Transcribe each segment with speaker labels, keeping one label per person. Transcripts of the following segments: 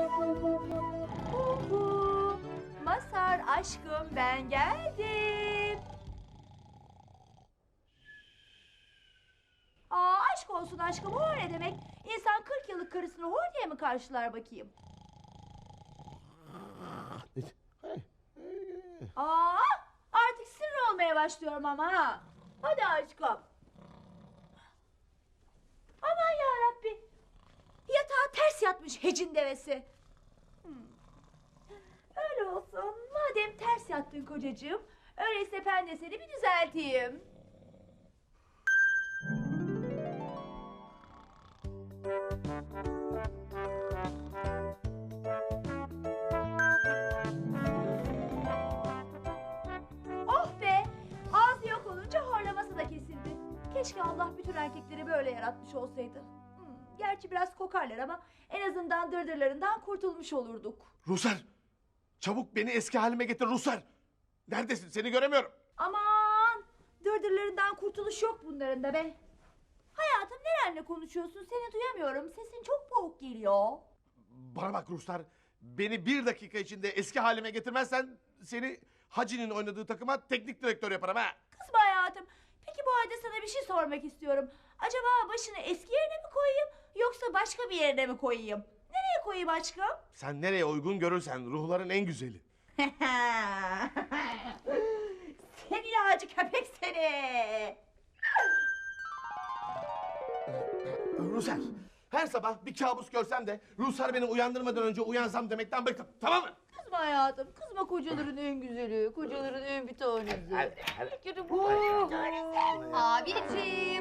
Speaker 1: Uhu. Mazhar aşkım, ben geldim. Aşk olsun aşkım, o ne demek? İnsan 40 yıllık karısını hor diye mi karşılar bakayım? Artık sinir olmaya başlıyorum ama ha. Hadi aşkım. Aman yarabbi. Yatağa ters yatmış hecin devesi. Öyle olsun. Madem ters yattın kocacığım, öyleyse ben de seni bir düzelteyim. Oh be! Ağzı yok olunca horlaması da kesildi. Keşke Allah bütün erkekleri böyle yaratmış olsaydı. Gerçi biraz kokarlar ama en azından dırdırlarından kurtulmuş olurduk.
Speaker 2: Ruhsar! Çabuk beni eski halime getir Ruhsar! Neredesin? Seni göremiyorum.
Speaker 1: Aman! Dırdırlarından kurtuluş yok bunların da be. Hayatım, nerenle konuşuyorsun? Seni duyamıyorum. Sesin çok boğuk geliyor.
Speaker 2: Bana bak Ruhsar. Beni 1 dakika içinde eski halime getirmezsen seni Hacı'nın oynadığı takıma teknik direktör yaparım ha.
Speaker 1: Kızma hayatım. Peki bu halde sana bir şey sormak istiyorum. Acaba başını eski yerine mi koyayım yoksa başka bir yerine mi koyayım? Nereye koyayım aşkım?
Speaker 2: Sen nereye uygun görürsen, ruhların en güzeli.
Speaker 1: Seni yağcı köpek seni.
Speaker 2: Ruhsar, her sabah bir kabus görsem de Ruhsar beni uyandırmadan önce uyansam demekten bıktım, tamam mı?
Speaker 1: Kızma hayatım. Kızma, kocaların en güzeli. Kocaların en bir tanesi. Abicim.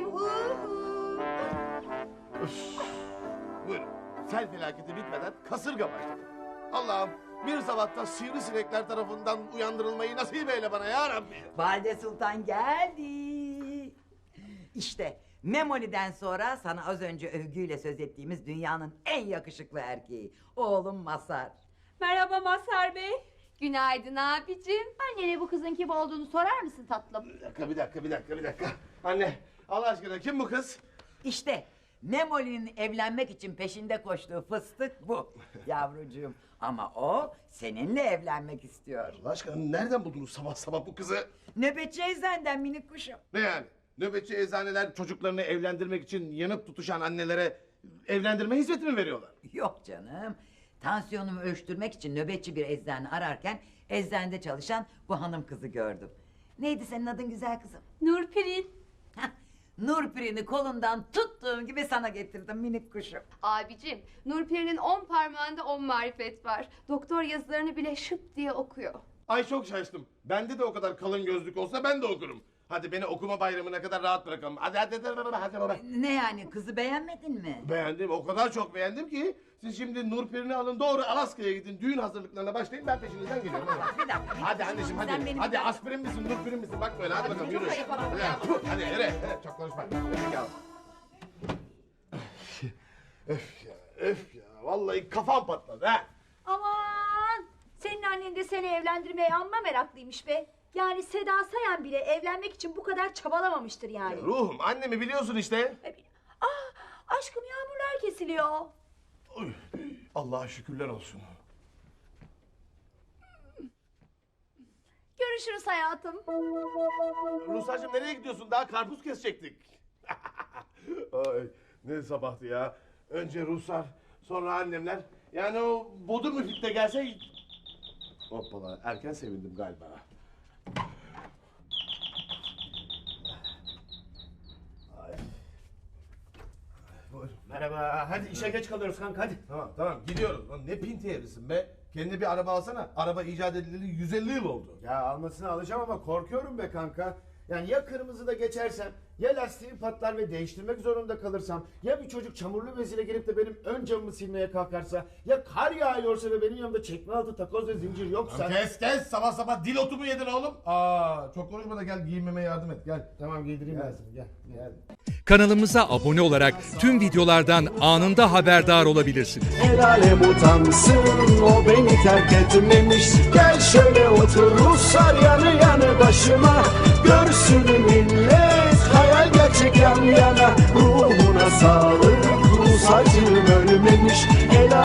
Speaker 2: Buyurun. Sel felaketi bitmeden kasırga başladı. Allah'ım, bir sabahta sivrisinekler tarafından uyandırılmayı nasip eyle bana ya Rabbi.
Speaker 3: Valide Sultan geldi. İşte Memoli'den sonra sana az önce övgüyle söz ettiğimiz dünyanın en yakışıklı erkeği. Oğlum Mazhar.
Speaker 4: Merhaba Mazhar Bey. Günaydın abicim.
Speaker 1: Annene bu kızın kim olduğunu sorar mısın tatlım?
Speaker 2: Bir dakika. Anne, Allah aşkına kim bu kız?
Speaker 3: İşte Memoli'nin evlenmek için peşinde koştuğu fıstık bu yavrucuğum. Ama o seninle evlenmek istiyor.
Speaker 2: Allah aşkına nereden buldunuz sabah sabah bu kızı?
Speaker 3: Nöbetçi eczenden minik kuşum.
Speaker 2: Ne yani? Nöbetçi eczaneler çocuklarını evlendirmek için yanıp tutuşan annelere evlendirme hizmeti mi veriyorlar?
Speaker 3: Yok canım. Tansiyonumu ölçtürmek için nöbetçi bir eczane ararken eczanede çalışan bu hanım kızı gördüm. Neydi senin adın güzel kızım?
Speaker 4: Nurperi.
Speaker 3: Hah, Nurperi'ni kolundan tuttuğum gibi sana getirdim minik kuşum.
Speaker 4: Abicim, Nurperi'nin 10 parmağında 10 marifet var. Doktor yazılarını bile şıp diye okuyor.
Speaker 2: Ay çok şaştım. Bende de o kadar kalın gözlük olsa ben de okurum. Hadi beni okuma bayramına kadar rahat bırakalım. Hadi baba.
Speaker 3: Ne yani, kızı beğenmedin mi?
Speaker 2: Beğendim, o kadar çok beğendim ki siz şimdi Nurperi'ni alın doğru Alaska'ya gidin. Düğün hazırlıklarına başlayın, ben peşinizden geliyorum.
Speaker 3: Bir dakika.
Speaker 2: Hadi anneciğim
Speaker 3: Sen
Speaker 2: hadi.
Speaker 3: benim-
Speaker 2: Hadi aspirin misin, Nurperi misin? Bak böyle hadi bakalım yürü. Hadi yürü. Çok konuşma. Öf ya. Vallahi kafam patladı ha.
Speaker 1: Aman! Senin annen de seni evlendirmeye amma meraklıymış be. Yani Seda Sayan bile evlenmek için bu kadar çabalamamıştır yani.
Speaker 2: Ruhum, annemi biliyorsun işte.
Speaker 1: Aşkım, yağmurlar kesiliyor.
Speaker 2: Uy, Allah'a şükürler olsun.
Speaker 1: Görüşürüz hayatım.
Speaker 2: Ruhsar'cığım nereye gidiyorsun? Daha karpuz kesecektik. Ay, ne sabahtı ya. Önce Ruhsar, sonra annemler. Yani o bodur müfit de gelse... Hoppala, erken sevindim galiba. Ay. Buyurun.
Speaker 5: Merhaba, hadi işe geç kalıyoruz kanka hadi.
Speaker 2: Tamam gidiyoruz. Lan ne pinti herifsin be. Kendine bir araba alsana. Araba icat edileli 150 yıl oldu.
Speaker 5: Ya almasını alacağım ama korkuyorum be kanka. Yani ya kırmızıda geçersem, ya lastiğim patlar ve değiştirmek zorunda kalırsam, ya bir çocuk çamurlu beziyle gelip de benim ön camımı silmeye kalkarsa, ya kar yağıyorsa ve benim yanımda çekme altı takoz ve zincir yoksa...
Speaker 2: Kes sabah sabah dil otu mu yedin oğlum? Çok konuşma da gel giyinmeme yardım et gel.
Speaker 5: Tamam giydireyim ben seni gel.
Speaker 6: Kanalımıza abone olarak tüm videolardan anında haberdar olabilirsiniz.
Speaker 7: El alem utansın, o beni terk etmemiş. Gel şöyle otur Ruslar yanı yanı başıma. Görsün millet hayal gerçek yan yana. Ruhuna sağlık, Rus acım ölmemiş.